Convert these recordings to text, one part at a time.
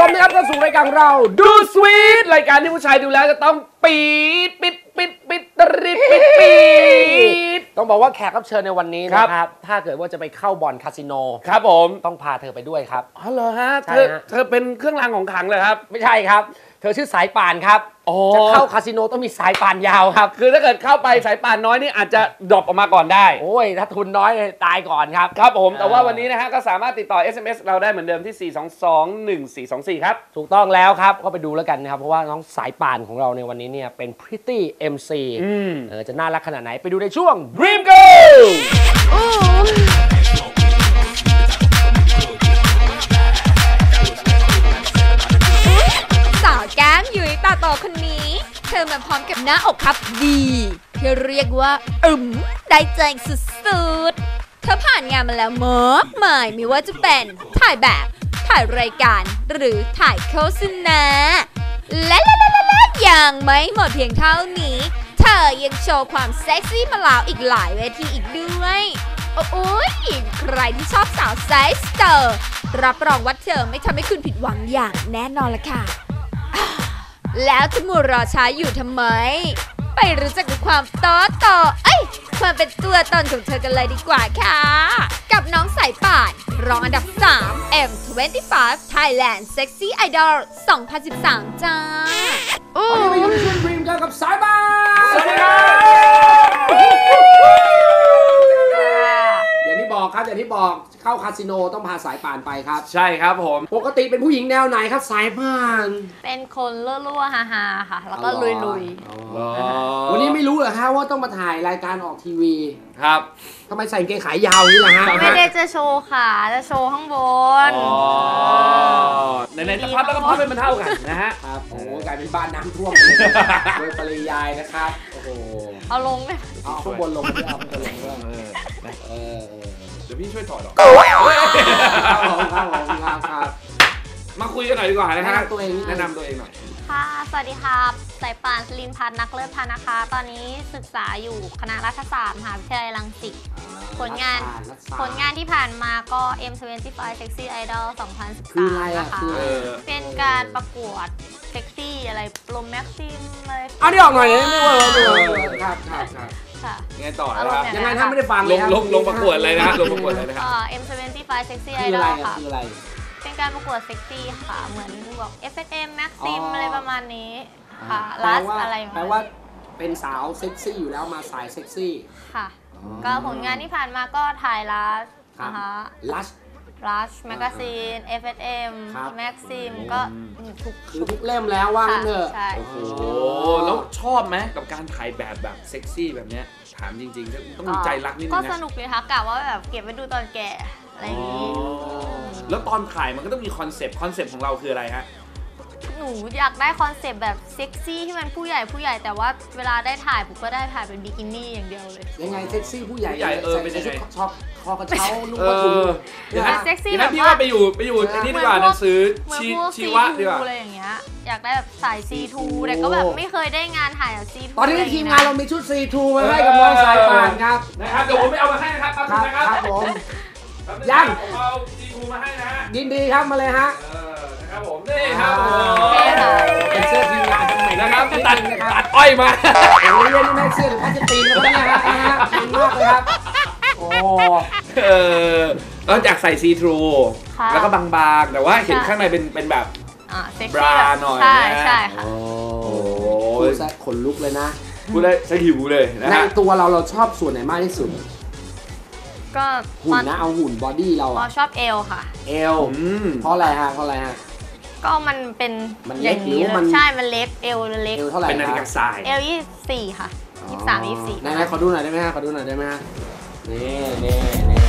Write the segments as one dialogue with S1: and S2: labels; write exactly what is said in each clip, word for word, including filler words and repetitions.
S1: มนะครับเข้าสู่รายการเราดูสวีทรายการที่ผู้ชายดูแล้วจะต้องปี๊ดปิดปิดปิดตริดปิดปิดต้องบอกว่าแขกรับเชิญในวันนี้นะครับถ้าเกิดว่าจะไปเข้าบ่อนคาสิโนครับผมต้องพาเธอไปด้วยครับอ๋อเหรอฮะเธอเธอเป็นเครื่องรางของขลังเลยครับไม่ใช่ครับเธอชื่อสายป่านครับจะเข้าคาสิโนต้องมีสายป่านยาวครับคือถ้าเกิดเข้าไปสายป่านน้อยนี่อาจจะดรอปออกมาก่อนได้โอ้ยถ้าทุนน้อยตายก่อนครับครับผมแต่ว่าวันนี้นะฮะก็สามารถติดต่อ เอส เอ็ม เอส เราได้เหมือนเดิมที่สี่ สอง สอง หนึ่ง สี่ สอง สี่ครับถูกต้องแล้วครับก็ไปดูแล้วกันนะครับเพราะว่าน้องสายป่านของเราในวันนี้เนี่ยเป็น Pretty เอ็ม ซี เออจะน่ารักขนาดไหนไปดูในช่วง Dream Girl
S2: สาวแก้มยุ้ยตาโตคนนี้เธอมาพร้อมกับหน้าอกครับดีที่เรียกว่าอึมได้ใจสุดๆเธอผ่านงานมาแล้วมากมายไม่ว่าจะเป็นถ่ายแบบถ่ายรายการหรือถ่ายโฆษณาและยังไม่หมดเพียงเท่านี้เธอยังโชว์ความเซ็กซี่มาแล้วอีกหลายเวทีอีกด้วยโอ้ยใครที่ชอบสาวไซส์เตอร์รับรองว่าเธอไม่ทำให้คุณผิดหวังอย่างแน่นอนละค่ะแล้วจะมัวรอช้าอยู่ทำไมไปรู้จักกับความต่อต่อเอ้ยความเป็นตัวตนของเธอกันเลยดีกว่าค่ะกับน้องสายป่านรองอันดับสาม เอ็ม ยี่สิบห้า Thailand Sexy Idol สองพันสิบสามจ้า
S1: วันนี้มาอยู่ในช่วง Dream Girl กับสายป่านสวัสดีครับอย่างที่บอกครับอย่างที่บอกเข้าคาสิโนต้องพาสายป่านไปครับใช่ครับผมปกติเป็นผู้หญิงแนวไหนครับสายป่าน
S3: เป็นคนรั่วๆฮาๆค่ะแล้วก็ลุย
S1: ๆวันนี้ไม่รู้เหรอฮะว่าต้องมาถ่ายรายการออกทีวีครับทำไมใส่เกงขายาวนี่ล่ะฮะ
S3: ไม่ได้จะโชว์ขาจะโชว์ข้างบน
S1: ในในจะพับแล้วก็พับเป็นมันเท่ากันนะฮะครับโอ้กลายเป็นบ้านน้ำท่วมเลยโดยปริยายนะครับโอ้โห
S3: เอาลงเลย
S1: เอาข้างบนลงด้วยเอาข้างบนลงด้วยเออเดี๋ยวพี่ช่วยถอดหรอกครับผมครับครับมาคุยกันหน่อยดีกว่านะฮะตัวเองแนะนำตัวเองหน่อย
S3: ค่ะสวัสดีครับสายป่าน สลินพัฒน์นักเลิศพันธ์นะคะตอนนี้ศึกษาอยู่คณะรัฐศาสตร์มหาวิทยาลัยรังสิตผลงานผลงานที่ผ่านมาก็ เอ็ม ยี่สิบห้า Sexy Idol สองพันสิบสามนะคะเป็นการประกวดเซ็กซี่อะไรโปรแม็กซิมอะไร
S1: อันนี้ออกหน่อยเลยไม่ว่าครับครับครับยังไงต่อครับยังไงถ้าไม่ได้ฟังเลยลงลงประกวดอะไรนะลงประกวดอะไรนะครับ
S3: เอ็ม ยี่สิบห้า Sexy Idol ค่ะเป็นการประกวดเซ็กซี่ค่ะเหมือนบอก เอฟ เอส เอ็ม Maxim อะไรประมาณนี้ค่ะลัสอะไร
S1: แปลว่าเป็นสาวเซ็กซี่อยู่แล้วมาสายเซ็กซี่
S3: ค่ะก็ผลงานที่ผ่านมาก็ถ่ายลัสนะคะ
S1: ลัส
S3: ลัสแมกกาซีน เอฟ เอส เอ็ม Maxim ก็
S1: ทุกคือทุกเล่มแล้วว่างั้นเถอะ
S3: โอ้โห
S1: แล้วชอบไหมกับการถ่ายแบบแบบเซ็กซี่แบบนี้ถามจริงๆต้องมีใจรักนิดนึงนะ
S3: ก็สนุกเลยค่ะกะว่าแบบเก็บไว้ดูตอนแก่อะไรอย่างนี้
S1: แล้วตอนถ่ายมันก็ต้องมีคอนเซปต์คอนเซปต์ของเราคืออะไรฮะ
S3: หนูอยากได้คอนเซปต์แบบเซ็กซี่ที่มันผู้ใหญ่ผู้ใหญ่แต่ว่าเวลาได้ถ่ายผมก็ได้ถ่ายเป็นบิกินี่อย่างเดียวเลย
S1: ยังไงเซ็กซี่ผู้ใหญ่ใหญ่เออเป็นยังไงชอบคอกระเช้าลูกกระถุง
S3: เซ็กซี่
S1: แบบพี่ว่าไปอยู่ไปอยู่ในนี้ดีกว่าหนังสือชีวะดีกว่า
S3: อะไรอย่างเงี้ยอยากได้แบบสาย ซี ทู แต่ก็แบบไม่เคยได้งานถ่ายแบบ ซี ทู
S1: ตอนนี้ทีมงานเรามีชุด ซี ทู มาให้กับน้องสายป่านครับนะครับเดี๋ยวผมไปเอามาให้นะครับครับครับผมยังผมเอา ซี ทู มาให้นะฮะยินดีครับมาเลยฮะครับผมนี่ครับเป็นเสื้อทีมงานทำไมนะครับตัดตัดอ้อยมาโอ้ยเล่นไม่เสื้อหรือผ้าจะตีนแล้วเนี่ยฮะนะฮะดีมากเลยครับโอ้เออแล้วอยากใส่ซีทรูแล้วก็บางๆแต่ว่าเห็นข้างในเป็นเป็นแบบบราหน่อย
S3: ใช่ใช่ค่ะ
S1: โอ้โหขนลุกเลยนะพูดได้สหิวเลยนะในตัวเราเราชอบส่วนไหนมากที่สุด
S3: ก็
S1: หุ่นนะเอาหุ่นบอดี้เรา
S3: ชอบเอวค่ะ
S1: เอวเพราะอะไรฮะเพราะอะไรฮะ
S3: ก็มันเป็นอย่างนี้เลยใช่มันเล็กเอวเล็ก
S1: เอวเท่าไหร่เป็นนาฬิกาทราย
S3: เอวยี่สิบสี่ค่ะยี่สิบสามยี่สิบสี่
S1: ไหนๆขอดูหน่อยได้ไหมฮะขอดูหน่อยได้ไหมฮะนี่นี่นี่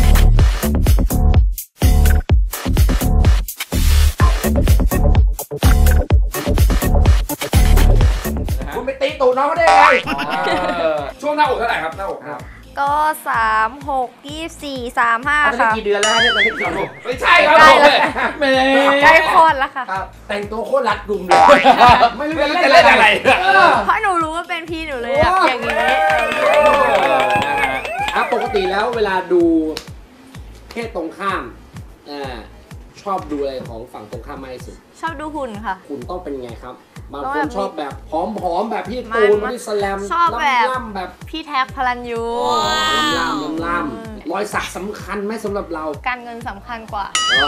S1: คุณไปตีตูดน้องเขาได้ไงช่วงหน้าอกเท่าไหร่ครับหน้าอกครับ
S3: ก็สามหกยี่สี่สามห้าค่ะ
S1: กี่เดือนแล้วเนี่ยตอนนี้กี่เดือนไม่ใช่ครับ
S3: ใกล้คลอดแล้วค่ะ
S1: แต่งตัวโคตรรัดกุมเลยไม่รู้จะเล่นอะไร
S3: เพราะหนูรู้ว่าเป็นพี่หนูเลยอย่างนี้
S1: อ่ะปกติแล้วเวลาดูเพศตรงข้ามชอบดูอะไรของฝั่งตรงข้ามมากที่สุด
S3: ชอบดูหุ่นค่ะ
S1: คุณต้องเป็นไงครับบาง
S3: ต้อง
S1: ค
S3: แบ
S1: น
S3: บ
S1: ชอบแบบผอมๆแบบพี่
S3: ไม่
S1: ตูน
S3: ไม่
S1: พี่สแลม
S3: ชอบแบบ
S1: ล่ำๆแบบ
S3: พี่แท็กพลันยู
S1: ล่ำๆล่ำๆรอยสักสำคัญไหมสำหรับเรา
S3: การเงินสำคัญกว่า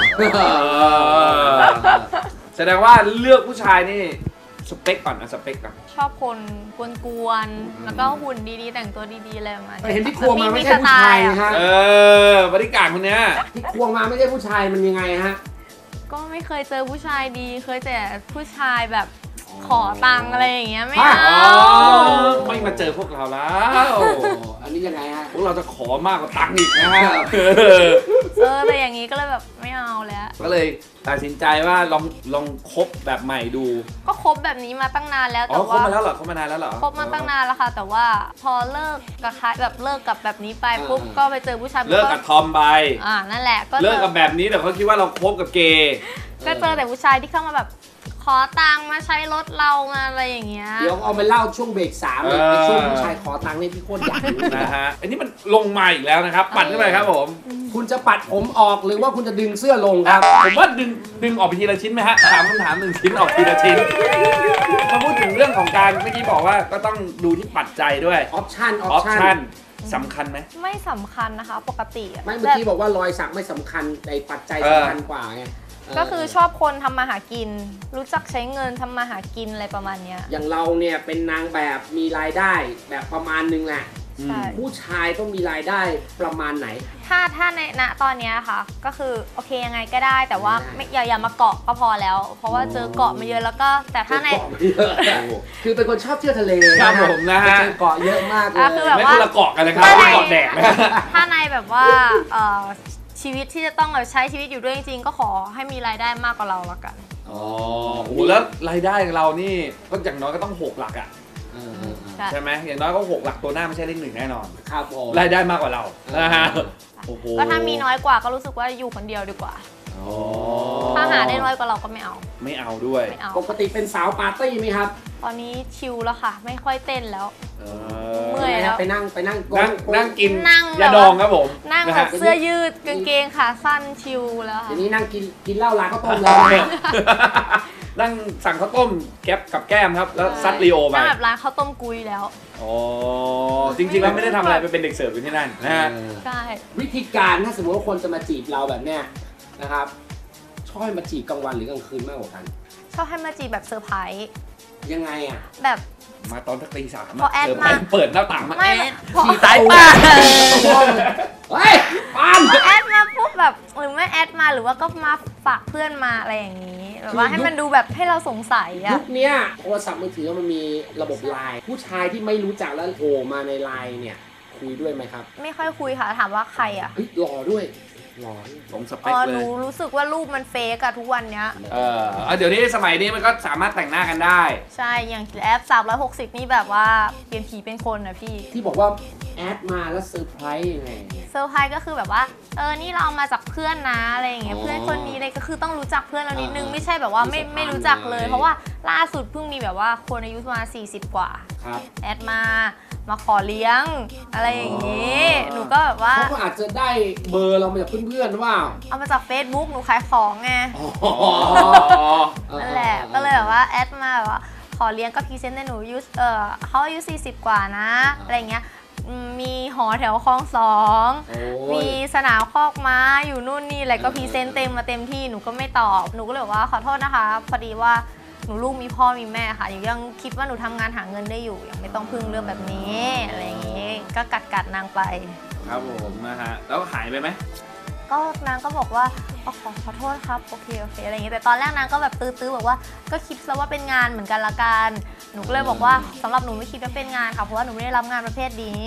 S4: แสดงว่าเลือกผู้ชายนี่สเปคก่อนนะสเปคก่อน
S3: ชอบคนกวนๆแล้วก็หุ่นดีๆ แต่งตัวดีๆอะไรประมาณ
S1: เห็นที่ครัวมาไม่ใช่ผู้ชายนะฮะ
S4: เออบริการคนเนี้ย
S1: ที่ควงมาไม่ใช่ผู้ชายมันยังไงฮะ
S3: ก็ไม่เคยเจอผู้ชายดี เคยแต่ผู้ชายแบบขอตังค์อะไรอย่างเงี้ยไม่
S1: ฮะ
S3: เอา
S4: ไม่มาเจอพวกเราแล้ว
S1: โอ้อันนี้ยังไงฮะ
S4: พวกเราจะขอมากกว่าตังค์อีกนะฮะ
S3: เออแต่อย่างงี้ก็เลยแบบไม่เอาแล้ว
S4: ก็เลยตัดสินใจว่าลองลองคบแบบใหม่ดู
S3: ก็คบแบบนี้มาตั้งนานแล้ว
S4: อ๋
S3: แต่
S4: อคบ
S3: ว่า
S4: มาแล้วเหรอคบมานานแล้วเหรอ
S3: คบมาตั้งนานแล้วค่ะ แต่ว่าพอเลิกกับใครแบบเลิกกับแบบนี้ไปปุ๊บ
S1: อ่า
S3: ก็ไปเจอผู้ชาย
S4: เลิกกับทอมไป
S3: อ่านั่นแหละก็
S4: เลิกกับแบบนี้แต่เขาคิดว่าเราคบกับเกย์
S3: ก็เจอแต่ผู้ชายที่เข้ามาแบบ ขอตังค์มาใช้รถเรามาอะไรอย่างเงี้ย
S1: เดี๋ยวเอามาเล่าช่วงเบรกสามเลยในช่วงผู้ชายขอตังค์นี่พี่โคตรอยากรู้
S4: นะฮะอันนี้มันลงมาอีกแล้วนะครับ ปัดขึ้นไปครับผม
S1: คุณจะปัดผมออกหรือว่าคุณจะดึงเสื้อลงครับ
S4: ผมว่าดึงดึงออกไปทีละชิ้นไหมฮะถามคำถามหนึ่งชิ้นออกทีละชิ้นมาพูดถึงเรื่องของการเมื่อกี้บอกว่าก็ต้องดูที่ปัจจัยด้วย
S1: ออปชั่นอ
S4: อ
S1: อ
S4: อ
S1: ป
S4: ป
S1: ชั่
S4: ชั่
S1: น
S4: นสำคัญไหม
S3: ไม่สำคัญนะคะ ปกติอะ
S1: ไม่เมื่อกี้บอกว่ารอยสักไม่สำคัญแต่ปัจจัย
S4: เออ
S1: สำคัญกว่าไงเ
S3: ก็คือชอบคนทำมาหากิน รู้จักใช้เงินทำมาหากินอะไรประมาณเนี้ย
S1: อย่างเราเนี่ยเป็นนางแบบมีรายได้แบบประมาณนึงแหละ
S3: ใช่
S1: ผู้ชายต้องมีรายได้ประมาณไหน
S3: ถ้าถ้าในณตอนเนี้ยค่ะ ก็คือโอเคยังไงก็ได้ แต่ว่า
S1: ได้
S3: ไม่อย่าอย่ามาเกาะก็พอแล้ว เพราะว่าเจอเกาะมาเยอะแล้วก็แต่ถ้าใน
S1: เกาะไม่เยอะคือเป็นคนชอบเที่ยวทะเล
S4: ครับผมนะฮะ
S1: เจอเกาะเยอะมากเล
S3: อ่ะคือแบบ
S4: ไม่คนละเกาะกันนะครับ
S3: ถ้าใน
S4: เกาะแดกนะ
S3: ถ้าในแบบว่าเอ่อชีวิตที่จะต้องแบบใช้ชีวิตอยู่ด้วยจริงๆก็ขอให้มีรายได้มากกว่าเราละกัน
S4: อ๋อโอ้โหแล้วรายได้ของเรานี่ก็อย่างน้อยก็ต้องหกหลักอ่ะ
S1: เออเออเออ
S3: ใช่
S4: ใช่ไหมอย่างน้อยก็หกหลักตัวหน้าไม่ใช่เลขหนึ่งแน่นอน
S1: ครับผม
S4: รายได้มากกว่าเรานะฮะโอ้โห
S3: ก็ถ้ามีน้อยกว่าก็รู้สึกว่าอยู่คนเดียวดีกว่า
S4: อ๋อ
S3: ถ้าหาได้น้อยกว่าเราก็ไม่เอา
S4: ไม่เอาด้วย
S3: ไม่เอา
S1: ปกติเป็นสาวปาร์ตี้ไหมครับ
S3: ตอนนี้ชิลแล้วค่ะ ไม่ค่อยเต้นแล้ว
S4: เอ
S3: เมื่อยแล้ว
S1: ไปนั่งไปนั่งโก
S4: นั่ง
S1: โก
S4: นั่งกิน
S3: นั่ง
S4: ยาดองครับผม
S3: นั่ง
S4: นะ
S3: แบ
S4: ฮะ
S3: บเสื้อยืดกางเกงขาสั้นชิลแล้ว
S1: เดี๋
S3: ค่ะ
S1: ยวนี้นั่งกินกินเหล้าร้านข้าวต้มแล้วเนี่ย
S4: นั่งสั่งข้าวต้มแก๊บกับแก้มครับ แล้วซัดลีโอไป
S3: นั่งแบบร้านข้าวต้มกุยแล้ว
S4: อ๋อจริงๆแล้วไม่ได้ทำอะไรไปเป็นเด็กเสิร์ฟอยู่ที่นั่นนะฮะ
S1: เออ
S3: ใช่
S1: วิธีการถ้าสมมติว่าคนจะมาจีบเราแบบเนี้ยนะครับชอบให้มาจีบกลางวันหรือกลางคืนมากกว่ากัน
S3: ชอบให้มาจีบแบบเซอร์ไพรส์
S1: ยังไงอ่ะ
S3: แบบ
S4: มาตอนสักตีสาม
S3: พอแอด
S4: เปิด
S3: มา
S4: เปิดหน้าต่างมา
S3: ไม่
S4: แอด
S3: พอ
S4: ขี่สายป้า
S1: เฮ้ยปาน
S3: พอแอดมาปุ๊บแบบหรือไม่แอดมาหรือว่าก็มาฝากเพื่อนมาอะไรอย่างนี้แบบว่าให้มันดูแบบให้เราสงสัย
S1: ยุ
S3: อะ
S1: คเนี้ยโทรศัพท์มือถือมันมีระบบไลน์ผู้ชายที่ไม่รู้จักแล้วโผล่มาในไลน์เนี่ยคุยด้วยไหมครับ
S3: ไม่ค่อยคุยค่ะถามว่าใครอะ
S1: เฮ้ยหล่อด้วยหล่อด้วย
S4: ผมสเป
S3: อ๋
S4: ค
S3: อ
S4: เล
S3: หนู
S4: ย
S3: รู้สึกว่ารูปมันเฟกอะทุกวันเนี้ย
S4: เออเอาเดี๋ยวนี้สมัยนี้มันก็สามารถแต่งหน้ากันได้
S3: ใช่ อย่างแอปสามร้อยหกสิบนี่แบบว่าเปลี่ยนผีเป็นคนนะพี่
S1: ที่บอกว่าแอดมาแล้วเซอร์ไพรส์ยังไงเนี่ย
S3: เซอร์ไพรส์ก็คือแบบว่า เออ นี่เราเอามาจากเพื่อนนะอะไรอย่างเงี้ย
S1: อ๋อ
S3: เพื่อนคนนี้เลยก็คือต้องรู้จักเพื่อนเรานิดนึง
S1: อ่า
S3: ไม่ใช่แบบว่าไม่
S1: มีสะพาน
S3: ไม่รู้จักเลย
S1: เลย
S3: เพราะว่าล่าสุดเพิ่งมีแบบว่าคนอายุประมาณสี่สิบกว่า
S1: ครับ
S3: แอดมา มาขอเลี้ยง อะไรอย่างงี้
S1: อ๋อ
S3: หนูก็แบบว่า
S1: เขาก็อาจจะได้เบอร์เรามาจากเพื่อนๆหรือเปล่า
S3: เอามาจาก Facebook หนูขายของไง
S1: อ๋อ
S3: นั่นแหละ ก็เลยแบบว่าแอดมาแบบว่าขอเลี้ยงก็พรีเซนต์ในหนูอายุเออเขาอายุสี่สิบกว่านะ อะไรอย่างเงี้ยอืมมีหอแถวคลองสอง
S1: โอ้
S3: มี
S1: ย
S3: สนามคอกม้าอยู่นู่นนี่อะไรก็พรีเซนต์เต็มมาเต็มที่หนูก็ไม่ตอบหนูก็เลยบอกว่าขอโทษนะคะ พอดีว่าหนูลูกมีพ่อมีแม่ค่ะหนูยังคิดว่าหนูทำงานหาเงินได้อยู่ยังไม่ต้องพึ่งเรื่องแบบนี้อะไรอย่างงี้ก็กัดกัดนางไป
S4: ครับผมนะฮะแล้วหายไปไหม
S3: ก็นางก็บอกว่าอ๋อขอขอโทษครับโอเคโอเคอะไรอย่างงี้แต่ตอนแรกนางก็แบบตื้อๆบอกว่าก็คิดซะว่าเป็นงานเหมือนกันละกันหนูก็เลยบอกว่าสำหรับหนูไม่คิดว่าเป็นงานค่ะเพราะว่าหนูไม่ได้รับงานประเภทนี้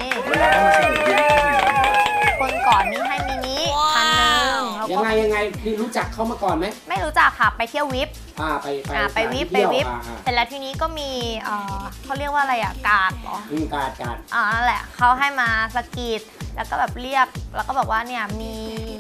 S3: คนก่อนนี้ให้มินิพันหนึ่งแล้ว
S1: ยั
S3: ก็
S1: งไงยังไงคือรู้จักเขามาก่อนไหม
S3: ไม่รู้จักค่ะไปเที่ยววิป
S1: อ่าไปไป
S3: อ่าไปวิปไป
S1: เที่ย
S3: วิป
S1: อ่าอ่า
S3: เสร็จแล้วทีนี้ก็มีเอ่อเขาเรียกว่าอะไรอ่ะการ์ดเหรอ
S1: อืมการการ
S3: อ่านั่นแหละเขาให้มาสกรีดแล้วก็แบบเรียกแล้วก็บอกว่าเนี่ยมี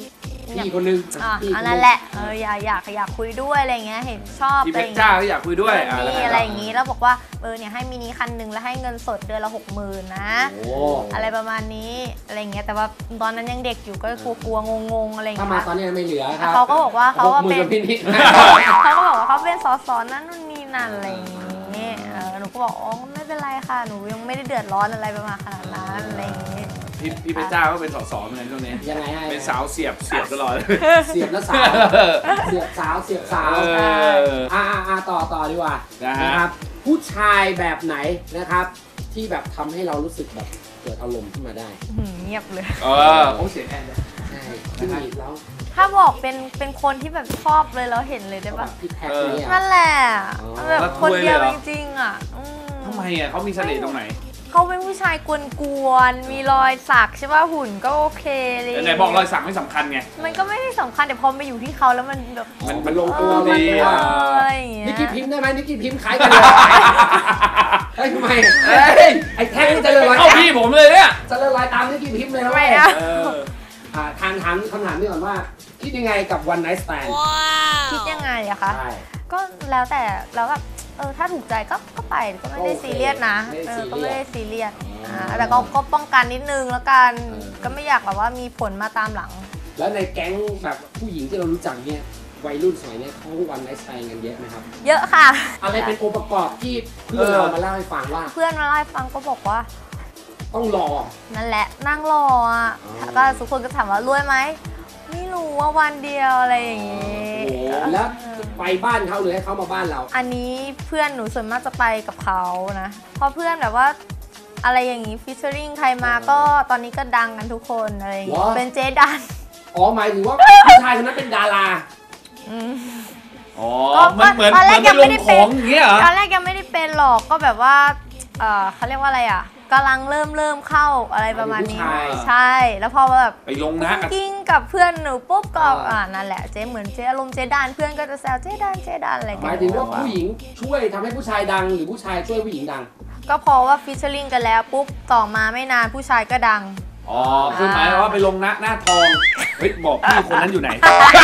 S1: พี่คนนึง
S3: อ่ะ
S1: พี่ค
S3: อัน
S1: นึ
S3: นั้น
S1: ง
S3: แหละเอออยากอยากอยากคุยด้วยอะไรเงี้ยเห็นชอบ
S4: พี่
S3: อะ
S4: เพ
S3: ไร
S4: ชร
S3: เงี้
S4: จ้าย ก็อยากคุยด้วยอ่ะ
S3: มีอะไรอย่างงี้แล้วบอกว่าเออเนี่ยให้มินิคันหนึ่งแล้วให้เงินสดเดือนละหกหมื่นนะ
S1: โอ้
S3: อะไรประมาณนี้อะไรเงี้ยแต่ว่าตอนนั้นยังเด็กอยู่ก็กลัวๆงงๆอะไร
S1: ถ้า
S3: เงี้
S1: มาย ตอนนี้ไม่เหลือครับ
S3: เขาก็บอกว่าเขาว่า
S1: หกหมื่
S3: เป็น
S1: กับพี่นิด
S3: เขาก็บอกว่าเขาเป็นสสนั่นนู่นนี่นั่นอะไรอย่างงี้เออหนูก็บอกอ๋อไม่เป็นไรค่ะหนูยังไม่ได้เดือดร้อนอะไรประมาณขนาดนั้นอะไรอย่างงี้
S4: พี่พี่เพชรจ้าก็เป็นสสเหมือนกันช่วงนี้
S1: ยังไงให้
S4: เป็นสาวเสียบเสียบตลอด
S1: เสียบแล้วสาวเสียบสาวเสียบสาว
S4: เออ
S1: อ่าอ่าต่อต่อดีกว่า
S4: นะฮะ
S1: นะครับ ผู้ชายแบบไหนนะครับ ที่แบบทำให้เรารู้สึกแบบเกิดอารมณ์ขึ้นมาได้
S3: หืมเงียบเลย
S4: เออโอ้เสียงแอนเลย
S1: ใช่ที่มีแล้ว
S3: ถ้าบอกเป็นเป็นคนที่แบบชอบเลยแล้วเห็นเลยได้
S1: แบ
S3: ปะ
S1: บพี่แท็กเนี่ย
S3: นั่นแหละ
S1: อ๋อ
S3: แบบคนเดียวจริงๆอ่ะอืม
S4: ทำไมอ่ะเขามีเสน่ห์ตรงไหน
S3: เขาเป็นผู้ชายกวนๆมีรอยสักใช่ป่ะหุ่นก็โอเคเลย
S4: ไหนบอกรอยสักไม่สำคัญไง
S3: มันก็ไม่ได้สำคัญแต่พอมาอยู่ที่เขาแล้วมันแบบ
S4: มัน
S1: มันลงตัว
S3: เออ
S1: ดี
S3: มัน
S1: อ่ะ
S3: เอออะไรอย่างเงี้ย
S1: นิกกี้พิมพ์ได้ไหมนิกกี้พิมพ์ขายกันเลยเฮ้ยทำไมเฮ้ยไอ้แท็กนี่จะเลยลอย
S4: เข้าพี่ผมเลยเนี่ย
S1: จะเลยลอยตามนิกกี้พิมพ์เลยนะ
S3: ไม่
S1: เว้ย
S3: นะ
S4: เออ
S1: อ่าทางถามคำถามนี้ก่อนว่า คิดยังไงกับ one night stand
S3: คิดยังไงอะคะ
S1: ใช่
S3: ก็แล้วแต่แล้วแบบเออถ้าถูกใจก็ก็ไปก็ไม่ได้
S1: โอเค
S3: ซีเรียสนะ
S1: ไม่ได้
S3: เออ
S1: ซีเรียส
S3: ก็ไม่ได้ซีเรียส
S1: อ๋ออ่
S3: อ่าแต่ก็ก็ป้องกันนิดนึงแล้วกัน
S1: เออ
S3: ก็ไม่อยากแบบว่ามีผลมาตามหลัง
S1: แล้วในแก๊งแบบผู้หญิงที่เรารู้จักเนี่ยวัยรุ่นสมัยเนี้ยเขาวันไนท์สไตล์กันเยอะไหมครับ
S3: เยอะค่ะ
S1: อะไรเป็นองค์ประกอบที่เพื่อนเรามาเล่าให้ฟังว่า
S3: เพื่อนมาเล่าให้ฟังก็บอกว่า
S1: ต้องรอ
S3: นั่นแหละนั่งรออ่ะ
S1: อ๋อ
S3: แล้วก็ทุกคนก็ถามว่ารวยไหมไม่รู้ว่าวันเดียวอะไรอย่างงี้
S1: โอ้โหแล้วไปบ้านเขาหรือให้เขามาบ้านเรา
S3: อันนี้เพื่อนหนูส่วนมากจะไปกับเขานะเพราะเพื่อนแบบว่าอะไรอย่างงี้ฟิชเชอริงใครมาก็ตอนนี้ก็ดังกันทุกคนอะไรอย่างงี้
S1: ว้า
S3: เป็นเจ๊ดัน
S1: อ๋อหมายถึงว่าผู้ชายคนนั้นเป็นดารา
S3: อืม
S4: อ๋อ
S3: ก็
S4: มันเหมือน
S3: ตอนแร
S4: เหมื
S3: ก
S4: อน
S3: ยั
S4: ไป
S3: ง
S4: ล
S3: ไม่
S4: ง
S3: ได้
S4: ข
S3: เป็น
S4: องอย่างเงี้ยเหรอ
S3: ตอนแรกยังไม่ได้เป็นหรอกก็แบบว่าเออเขาเรียกว่าอะไรอ่ะกำลังเริ่มเริ่มเข้าอะไรประมาณนี้
S1: ผู้ชาย
S3: ใช่แล้วพอแบบ
S4: ไปลงนะ
S3: กิ้งกับเพื่อนหนูปุ๊บก็
S1: อ่า
S3: อ่านั่นแหละเจ๊เหมือนเจ๊อารมณ์เจ๊ดานเพื่อนก็จะแซวเจ๊ดานเจ๊ดานอะไรกัน
S1: หมายถึงว่าผู้หญิงช่วยทำให้ผู้ชายดังหรือผู้ชายช่วยผู้หญิงดัง
S3: ก็เพอว่าฟิชเชอริงกันแล้วปุ๊บต่อมาไม่นานผู้ชายก็ดัง
S4: อ๋อคือหมายความว่าไปลงนะหน้าทองเฮ้ยบอกพี่คนนั้นอยู่ไหน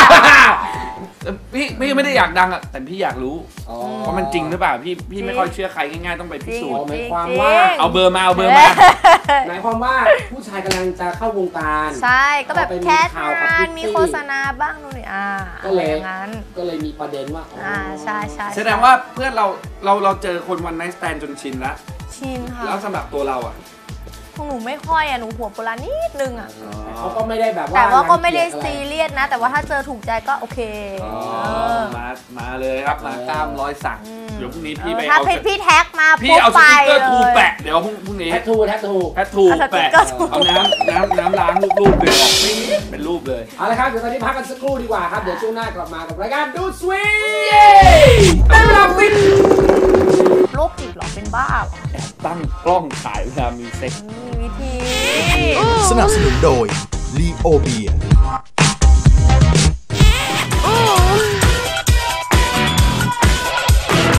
S4: พี่พี่ไม่ได้อยากดังอะแต่พี่อยากรู้
S1: อ๋อ
S4: ว่ามันจริงหรือเปล่าพี่พี่ไม่ค่อยเชื่อใครง่ายๆต้องไปพิสูจน์
S1: หมาย
S3: จริง
S1: ความ
S3: จริง
S1: ว่า
S4: เอาเบอร์มาเอาเบอร์มา
S1: หมายความว่าผู้ชายกำลังจะเข้าวงการ
S3: ใช่ก็แบบ
S1: พอไปมี
S3: แคส
S1: ข่าวกับ
S3: งา
S1: พิ
S3: น
S1: ตตี้
S3: มีโฆษณาบ้างนู่นนี่อ่า
S1: ก็
S3: อะไร
S1: เลย
S3: อย่างนั้น
S1: ก็เลยมีประเด็นว่าอ๋ออ
S3: อ่าใช่ใช่
S4: แสดงว่าเพื่อนเราเราเราเจอคนวันไนท์สแตนจนชินแล้ว
S3: ชินค่ะ
S4: แล้วสำหรับตัวเราอ่ะ
S3: ของหนูไม่ค่อยอ่ะหนูหัวโบราณนิดนึงอ่ะ
S1: แต่เขาก็ไม่ได้แบบว่า
S3: แต่ว่าก็ไม่ได้
S1: รังเกียจ
S3: ซี
S1: อะไร
S3: เรียสนะ แต่ว่าถ้าเจอถูกใจก็โอเค
S4: อ๋อ
S3: เออ
S4: มามาเลยครับมากล้ามร้อยสัก
S3: อืม
S4: เดี๋ยวพรุ่งนี้
S3: เอ
S4: พี่
S3: อ
S4: ไป
S3: ถ้า
S4: เอา
S3: พี่พี่แท็กมา
S4: พี่
S3: ปุ๊บ
S4: เอาส
S3: ไป
S4: ติ๊กเกอร์
S3: เล
S4: ทู
S3: ย
S4: แปะเดี๋ยวพรุ่งพรุ่งนี้
S1: แทททูแทททู
S4: แพททู
S3: เอาสติ๊
S4: แปะ
S3: กเกอร์ทู
S4: เอาน้ำน้ำน้ำล้างรูปๆเลยออกไม่เป็นรูปเลย
S1: เอาละครับเดี๋ยวตอนนี้พักกันสักครู่ดีกว่าครับเดี๋ยวช่วงหน้ากลับมากับรายการดูสวีทตลาดฟิน
S3: โรคจิตเหรอเป็นบ้าเหรอ
S4: ตั้งกล้องถ่ายเวลามีเซ็ก
S3: มีวิธี
S5: สนับสนุนโดย ลีโอเบีย